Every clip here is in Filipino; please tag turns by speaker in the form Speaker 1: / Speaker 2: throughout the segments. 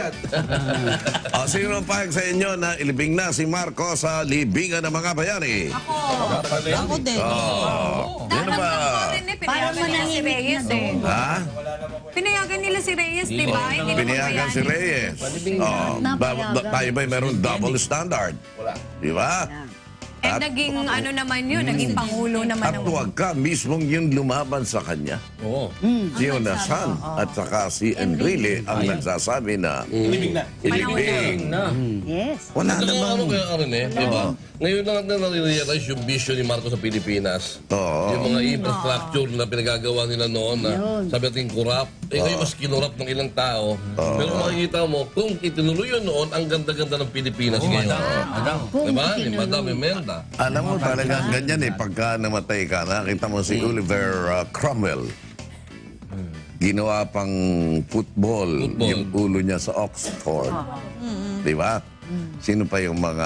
Speaker 1: yan.
Speaker 2: Sino payag sa inyo na ilibing na si Marcos sa libingan ng mga bayani?
Speaker 3: Ako din.
Speaker 2: Ano ba?
Speaker 3: Para
Speaker 4: Pinayagan nila si Reyes eh.
Speaker 2: Ha?
Speaker 4: Pinayagan nila si Reyes, di ba? Hindi naman
Speaker 2: Pinayagan si Reyes. Tayo ba'y meron double standard?
Speaker 1: Wala.
Speaker 2: Di ba?
Speaker 4: And naging ano naman yun, naging pangulo naman
Speaker 2: At
Speaker 4: ng...
Speaker 2: huwag ka mismong yung lumaban sa kanya.
Speaker 1: Oo.
Speaker 2: Si Yonasan at saka si Enrile ang nagsasabi na
Speaker 1: Libing na.
Speaker 2: ilibing.
Speaker 3: Yes.
Speaker 2: Wala
Speaker 5: Ano
Speaker 2: namang...
Speaker 5: kaya Aaron di ba? Ngayon lang natin nare-realize yung vision ni Marcos sa Pilipinas.
Speaker 2: Oo.
Speaker 5: Yung mga infrastructure na pinagagawa nila noon na sabi natin corrupt. Ngayon mas kinurap ng ilang tao. Pero makikita mo, kung itinuloy yun noon, ang ganda-ganda ng Pilipinas ngayon. Diba? Ni Madam Imelda.
Speaker 2: Alam mo talagang ganyan pagka namatay ka, nakita mo si Oliver Cromwell. Ginawa pang football yung ulo niya sa Oxford. Di ba? Sino pa yung mga...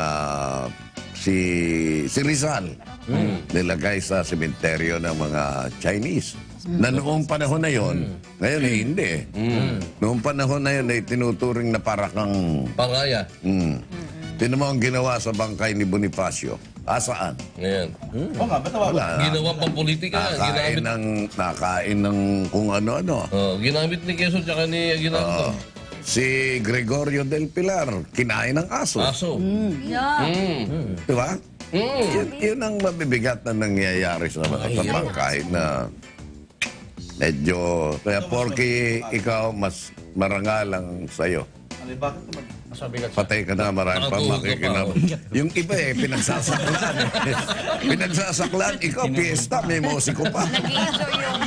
Speaker 2: Si Rizal. Nilagay sa sementeryo ng mga Chinese. Na noong panahon na yon, ngayon hindi. Noong panahon na yun ay tinuturing na para kang...
Speaker 5: Paraya.
Speaker 2: Tinan mo ang ginawa sa bangkay ni Bonifacio. Saan?
Speaker 5: Ngayon.
Speaker 1: Oo nga, ba't tawag?
Speaker 2: Wala.
Speaker 5: Ginawa pang politika.
Speaker 2: Nakain ng kung ano-ano.
Speaker 5: Ginamit ni Quezon tsaka ni Aguinaldo.
Speaker 2: Si Gregorio del Pilar, kinain ng aso.
Speaker 5: Aso.
Speaker 2: Di ba? Yun ang mabibigat na nangyayari sa mga bangkay na medyo... Kaya porky ikaw, mas marangal ang sa'yo.
Speaker 1: Bakit naman?
Speaker 2: Patay ka na, marami pa
Speaker 5: Nakatulog ka
Speaker 2: makikinab. Yung iba pinagsasaklan. Pinagsasaklan, ikaw, fiesta, may musiko pa.
Speaker 4: Nag-enjoy yung...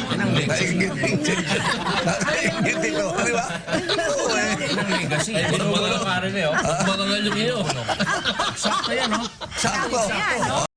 Speaker 2: Naingit ito, di ba? Oo
Speaker 6: Legacy. Marangal yung iyo.
Speaker 5: Marangal yung iyo.
Speaker 6: Sakto yan, no?
Speaker 2: Sakto.